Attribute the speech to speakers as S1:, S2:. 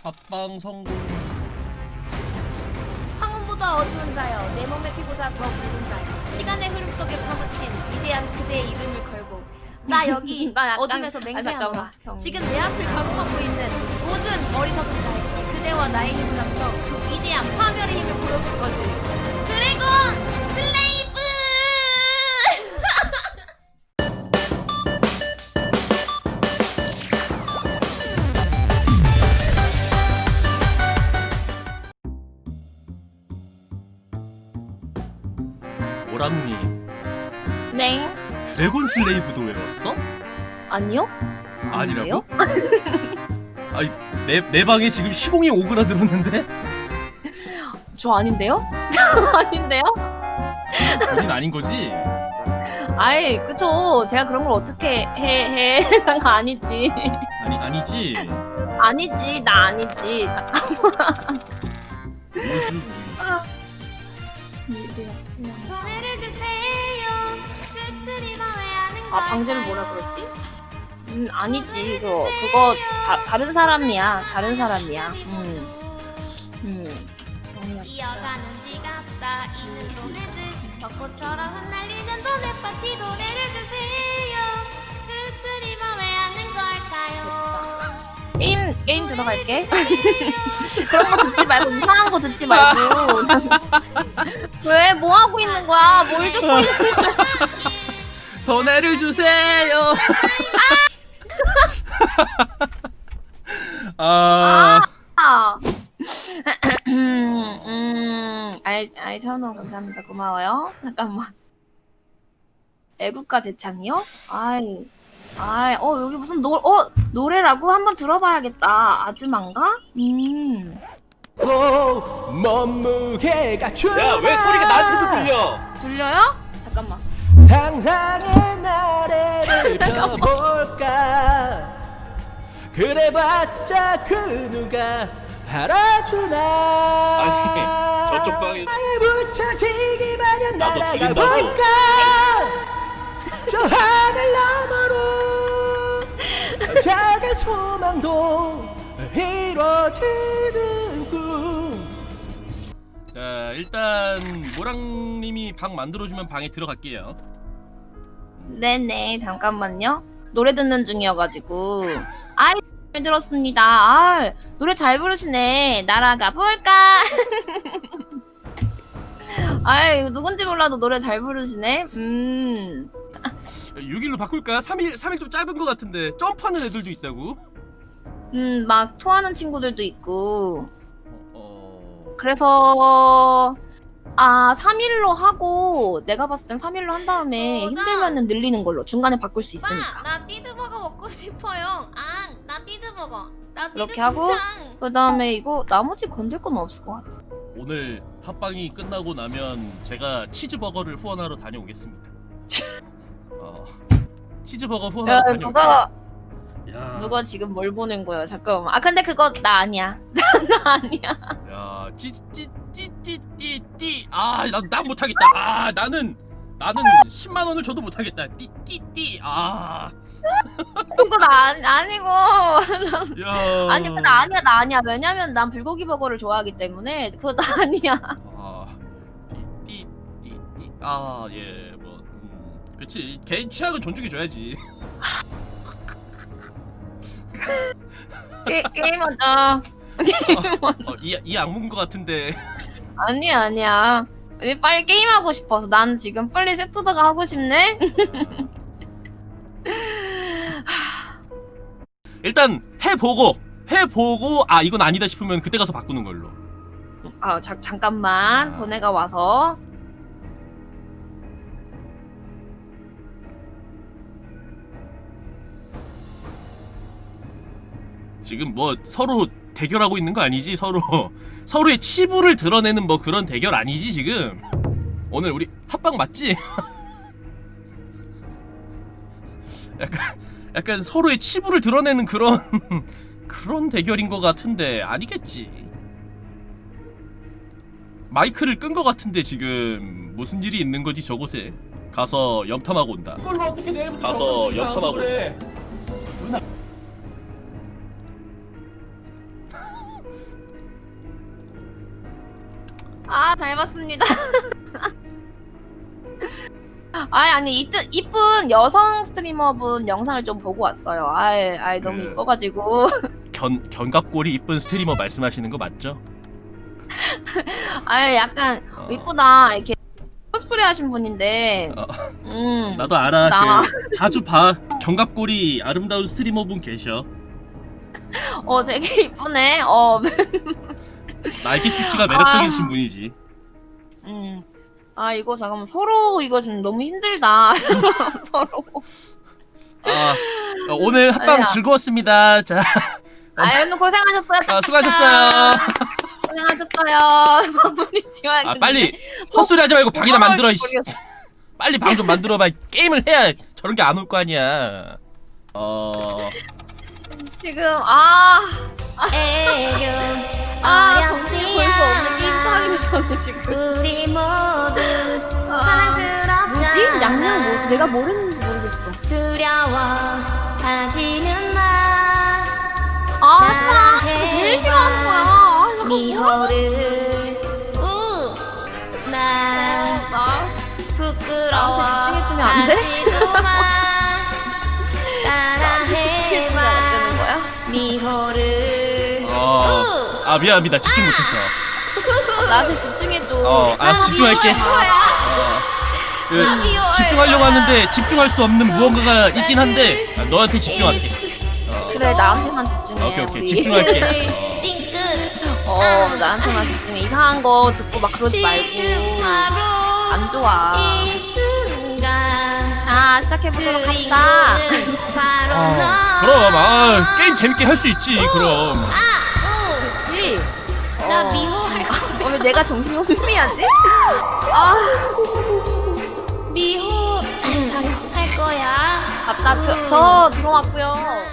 S1: 합방 성공.
S2: 황혼보다 어두운 자여, 내 몸의 피보다 더 붉은 자여, 시간의 흐름 속에 파묻힌 위대한 그대의 이름을 걸고 나 여기 어둠에서 맹세한다. 지금 내 앞을 가로막고 있는 모든 어리석은 자에게 그대와 나의 힘을 합쳐 그 위대한 파멸의 힘을 보여줄 것을. 드래곤 슬레이브!
S1: 오랑님,
S2: 네.
S1: 드래곤 슬레이브도 외웠어?
S2: 아니요?
S1: 아니라고? 아니, 내 방에 지금 시공이 오그라들었는데?
S2: 저 아닌데요? 저 아닌데요?
S1: 본인 아닌 거지?
S2: 아이, 그쵸. 제가 그런 걸 어떻게 해. 난 거 아니지.
S1: 아니지.
S2: 아니지, 나 아니지.
S1: 뭐지?
S2: 노래를 주세요. 아, 방제를 뭐라 그랬지? 아니지. 그거 다른 사람이야. 다른 사람이야. 이어가는 지갑 쌓이는 돈에들 벚꽃처럼 흩날리는 돈의 파티. 노래를 주세요. 스트리머 왜 하는 걸까요? 게임 들어갈게. 그런 거 듣지 말고 이상한 거 듣지 말고. 왜? 뭐 하고 있는 거야? 뭘 듣고 있는 거야?
S1: 돈을 주세요.
S2: 아이, 천원 감사합니다. 고마워요. 잠깐만. 애국가 재창이요? 여기 무슨 노래라고? 한번 들어봐야겠다. 아주만가?
S3: 몸무게가
S4: 야, 왜 소리가 나한테도 들려?
S2: 들려요? 잠깐만.
S3: 상상의 나래를 펴볼까. 그래봤자 그 누가 알아주나.
S4: 아니, 저쪽 방에
S3: 나에 붙여지기 마련
S4: 나도
S3: 날아가
S4: 들린다고.
S3: 볼까. 저 하늘 너머로 작은 소망도 이루어지는 꿈.
S1: 자, 일단 모랑님이 방 만들어주면 방에 들어갈게요.
S2: 네네, 잠깐만요. 노래 듣는 중이어가지고. 잘 들었습니다. 노래 잘 부르시네. 날아가 볼까? 이거 누군지 몰라도 노래 잘 부르시네.
S1: 6일로 바꿀까? 3일 좀 짧은 것 같은데 점프하는 애들도 있다고?
S2: 막 토하는 친구들도 있고. 그래서 3일로 하고, 내가 봤을 땐 3일로 한 다음에 힘들면은 늘리는 걸로 중간에 바꿀 수 있으니까.
S5: 나 띠드버거 먹고 싶어요. 나 띠드버거. 나
S2: 그렇게 하고, 그 다음에 이거 나머지 건들 건 없을 것 같아.
S1: 오늘 합방이 끝나고 나면 제가 치즈버거를 후원하러 다녀오겠습니다. 치즈버거 후원하러 다녀올게요.
S2: 누가 지금 뭘 보낸 거야? 잠깐만. 근데 그거 나 아니야. 나 아니야.
S1: 야, 찌찌찌찌찌. 난 못하겠다. 나는 10만 원을 줘도 못하겠다. 띠띠띠.
S2: 그거 나 아니고.
S1: 야.
S2: 아니, 그거 나 아니야. 왜냐면 난 불고기 버거를 좋아하기 때문에 그거 나 아니야.
S1: 띠띠띠띠. 예, 뭐, 그렇지. 개인 취향은 존중해줘야지.
S2: 게임하자. 게임하자.
S1: 이 악몽 것 같은데.
S2: 아니야. 빨리 게임하고 싶어서. 난 지금 빨리 세트드가 하고 싶네.
S1: 일단 해보고 이건 아니다 싶으면 그때 가서 바꾸는 걸로.
S2: 잠깐만. 전해가 와서.
S1: 지금 뭐 서로 대결하고 있는 거 아니지? 서로의 치부를 드러내는 뭐 그런 대결 아니지 지금? 오늘 우리 합방 맞지? 약간 서로의 치부를 드러내는 그런 대결인 것 같은데 아니겠지? 마이크를 끈 것 같은데 지금 무슨 일이 있는 거지 저곳에? 가서 염탐하고 온다.
S4: 그걸 어떻게 내일부터
S1: 가서 염탐하고
S4: 그래.
S2: 잘 봤습니다. 아니 이쁜 여성 스트리머분 영상을 좀 보고 왔어요. 아이 너무
S1: 그-
S2: 이뻐가지고.
S1: 견갑골이 이쁜 스트리머 말씀하시는 거 맞죠?
S2: 약간
S1: 어.
S2: 이쁘다 이렇게 코스프레 하신 분인데.
S1: 어.
S2: 음.
S1: 나도 알아.
S2: 나.
S1: 자주 봐. 견갑골이 아름다운 스트리머분 계셔.
S2: 되게 이쁘네.
S1: 날개쭈찌가 매력적이신 분이지.
S2: 이거 잠깐만 서로 이거 좀 너무 힘들다. 서로.
S1: 오늘 합방
S2: 아니야.
S1: 즐거웠습니다. 자,
S2: 오늘 고생하셨어요.
S1: 수고하셨어요.
S2: 고생하셨어요. 마무리 지어야겠는데.
S1: 빨리 헛소리 하지 말고 방이나 만들어. 이씨.
S2: 모르겠어.
S1: 빨리 방 좀 만들어봐. 게임을 해야 저런 게 안 올 거 아니야.
S2: 지금
S5: 애교
S2: 정신이 볼 수 없는 게임 하기 전에 지금.
S5: 우리 모두 사랑스럽잖아.
S2: 뭐지? 양양 뭐지? 내가 모르는지 모르겠어.
S5: 두려워하지는 마.
S2: 하지마. 제일 싫어하는 거야.
S5: 미호를 나 부끄러워
S2: 집중해주면 안 돼?
S5: 하지도 마.
S2: 집중해주면 안
S5: 따라해봐
S2: 되는 거야?
S5: 미호를
S1: 미안합니다. 집중 못했어.
S2: 나한테 집중해줘.
S1: 집중할게. 집중하려고 하는데 집중할 수 없는 무언가가 있긴 한데 너한테 집중할게.
S2: 그래 나한테만 집중해.
S1: 오케이
S2: 우리.
S1: 집중할게.
S5: 찡긋
S2: 나한테만 집중해. 이상한 거 듣고 막 그러지 말고.
S5: 지금 바로
S2: 안 좋아.
S5: 이 순간
S2: 자 시작해보도록 합시다.
S5: 주인공은 바로 너.
S1: 그럼 게임 재밌게 할 수 있지. 그럼.
S2: 그렇지.
S5: 나 미호 할 거야.
S2: 왜 내가 정신이 혼미하지?
S5: 미호 할 거야.
S2: 저 들어왔고요.